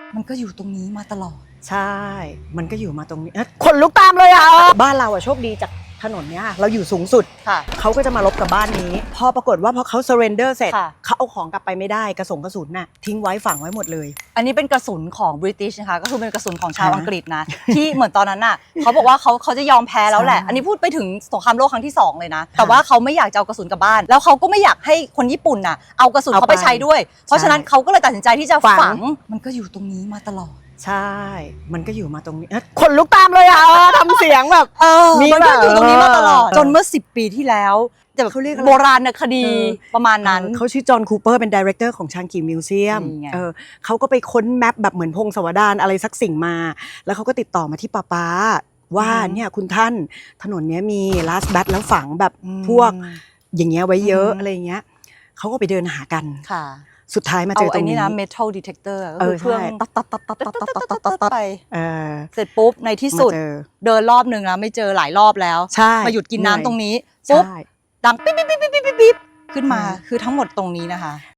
มันก็อยู่ตรงนี้มาตลอดใช่มันก็อยู่มาตรงนี้ขนลุกตามเลยอ่ะบ้านเราอ่ะโชคดีจากถนนเนี้ยเราอยู่สูงสุดเขาก็จะมาลบกับบ้านนี้พอปรากฏว่าพอเขา surrender เสร็จเขาเอาของกลับไปไม่ได้กระสุนน่ะทิ้งไว้ฝังไว้หมดเลยอันนี้เป็นกระสุนของ British นะคะก็คือเป็นกระสุนของชาวอังกฤษนะที่เหมือนตอนนั้นน่ะเขาบอกว่าเขาจะยอมแพ้แล้วแหละอันนี้พูดไปถึงสงครามโลกครั้งที่2เลยนะแต่ว่าเขาไม่อยากจะเอากระสุนกลับบ้านแล้วเขาก็ไม่อยากให้คนญี่ปุ่นน่ะเอากระสุนเขาไปใช้ด้วยเพราะฉะนั้นเขาก็เลยตัดสินใจที่จะฝังมันก็อยู่ตรงนี้มาตลอดใช่มันก็อยู่มาตรงนี้ขนลุกตามเลยอ่ะทำเสียงแบบมันก็อยู่ตรงนี้มาตลอดจนเมื่อ10 ปีที่แล้วแต่เขาเรียกโบราณคดีประมาณนั้นเขาชื่อจอห์นคูเปอร์เป็นดีเรคเตอร์ของชางกีมิวเซียมเขาก็ไปค้นแมปแบบเหมือนพงศาวดารอะไรสักสิ่งมาแล้วเขาก็ติดต่อมาที่ป๊าว่าเนี่ยคุณท่านถนนนี้มีลาสแบทแล้วฝังแบบพวกอย่างเงี้ยไว้เยอะอะไรเงี้ยเขาก็ไปเดินหากันสุดท้ายมาเจอตรงนี้นะ metal detector ก็คือเครื่องตัดไปเสร็จปุ๊บในที่สุดเดินรอบนึงนะไม่เจอหลายรอบแล้วมาหยุดกินน้ำตรงนี้ปุ๊บดังปิ๊บขึ้นมาคือทั้งหมดตรงนี้นะคะ